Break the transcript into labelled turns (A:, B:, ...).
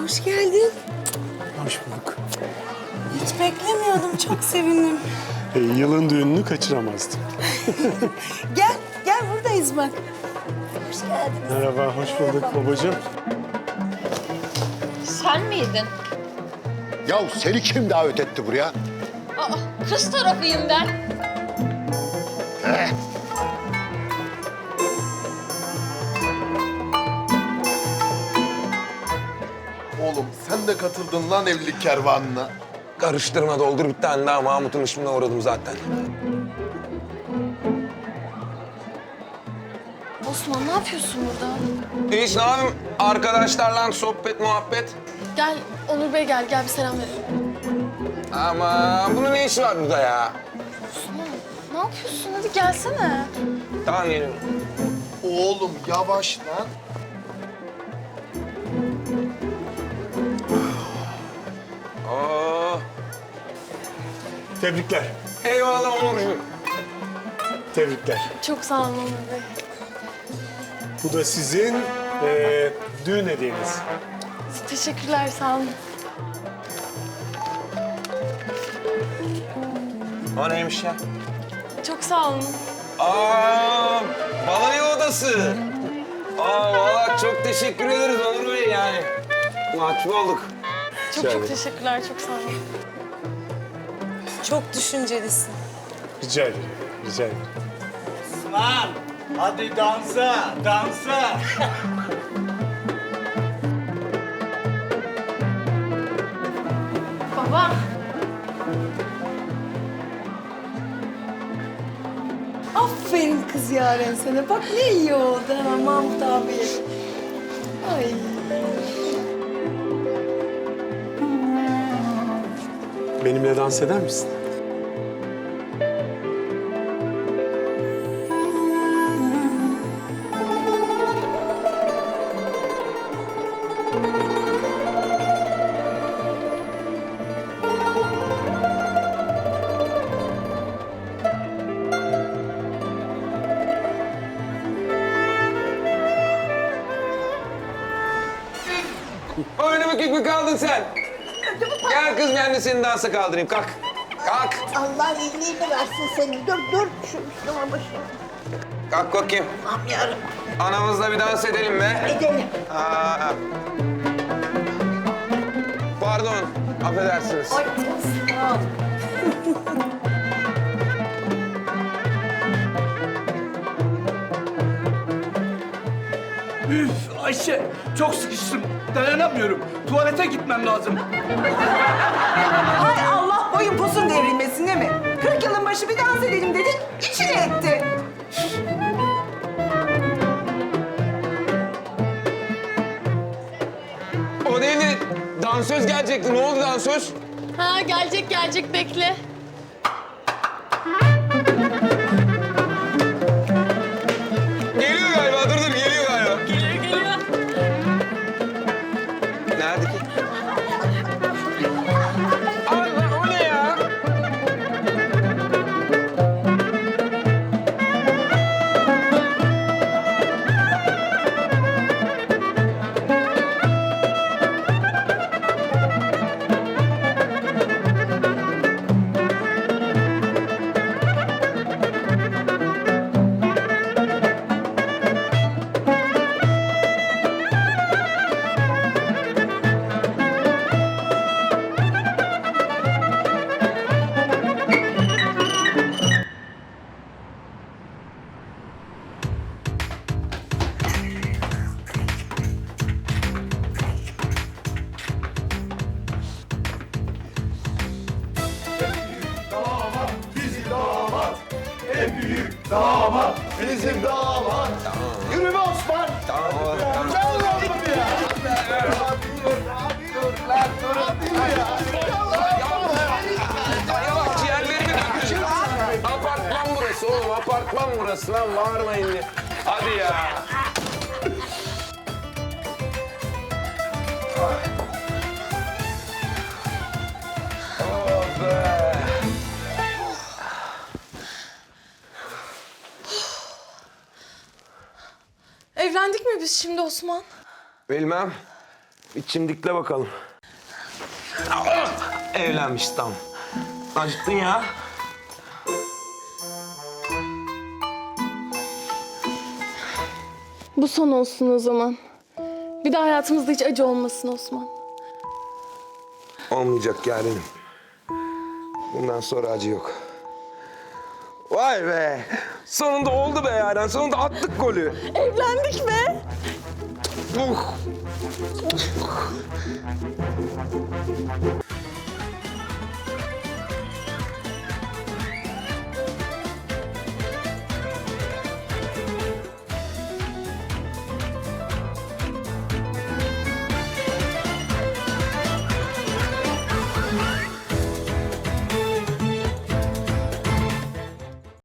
A: hoş geldin.
B: Hoş bulduk.
A: Hiç beklemiyordum, çok sevindim.
B: Yılın düğününü kaçıramazdım.
A: Gel buradayız bak. Hoş geldin.
B: Merhaba, hoş bulduk babacığım.
C: Sen miydin?
D: Ya seni kim davet etti buraya?
C: Aa, kız tarafıyım ben.
E: Oğlum sen de katıldın lan evlilik kervanına.
F: Karıştırma, doldur bir tane daha. Mahmut'un işine uğradım zaten.
G: Osman ne yapıyorsun burada?
F: Hiç ne yapayım? Arkadaşlarla sohbet, muhabbet.
G: Gel Onur Bey gel bir selam verelim.
F: Ama bunun ne işi var burada ya?
G: Osman ne yapıyorsun? Hadi gelsene.
F: Tamam geliyorum.
E: Oğlum yavaş lan.
F: Oo,
B: Tebrikler,
F: eyvallah Onurcuğum.
B: tebrikler.
G: Çok sağ olun Onur Bey.
B: Bu da sizin düğün hediyeniz.
G: Teşekkürler sağ olun.
F: O neymiş ya?
G: Çok sağ olun.
F: Aa, balayı odası. Vallahi çok teşekkür ederiz Onur Bey yani. Mahcup olduk.
G: Çok teşekkürler çok sağ olun.
A: Çok düşüncelisin.
B: Rica ederim, rica ederim.
H: Osman, hadi dansa, dansa.
G: Baba.
A: Aferin kız Yaren sana. Bak ne iyi oldu ha Mahmut abi. Ay.
B: Benimle dans eder misin?
F: Öyle bükük mü kaldın sen? Gel kız ben de seni dansa kaldırayım. Kalk. Kalk.
I: Allah iyiliğini versin seni. Dur şu üstüme başına.
F: Kalk bakayım.
I: Aman yarabbim.
F: Anamızla bir dans edelim be.
I: Edelim.
F: Aa. Pardon. Affedersiniz.
I: Ay sağ ol.
H: Üf Ayşe, çok sıkıştım. Dayanamıyorum. Tuvalete gitmem lazım.
J: Hay Allah boyun posun devrilmesin değil mi? 40 yılın başı bir dans edelim dedik, içine etti.
F: O değil de dansöz gelecekti. Ne oldu dansöz?
G: Ha gelecek bekle.
F: Geliyor galiba. Dur geliyor galiba.
G: Geliyor.
F: Nerede ki? Allah o ne ya?
E: Bizim damat. Yürü be Osman.
F: Tamam.
E: Gel lan buraya. Dur lan dur
F: Ay bak ciğerlerimi döküldü. Apartman burası oğlum. Apartman burası lan. Bağırmayın diye. Hadi ya. Oh be.
G: Evlendik mi biz şimdi Osman?
F: Bilmem. Bir çimdikle bakalım. Evlenmiş tam. Acıttın ya.
G: Bu son olsun o zaman. Bir daha hayatımızda hiç acı olmasın Osman.
F: Olmayacak yarenim. Bundan sonra acı yok. Vay be! Sonunda oldu be Yaren. Sonunda attık golü.
G: Evlendik be.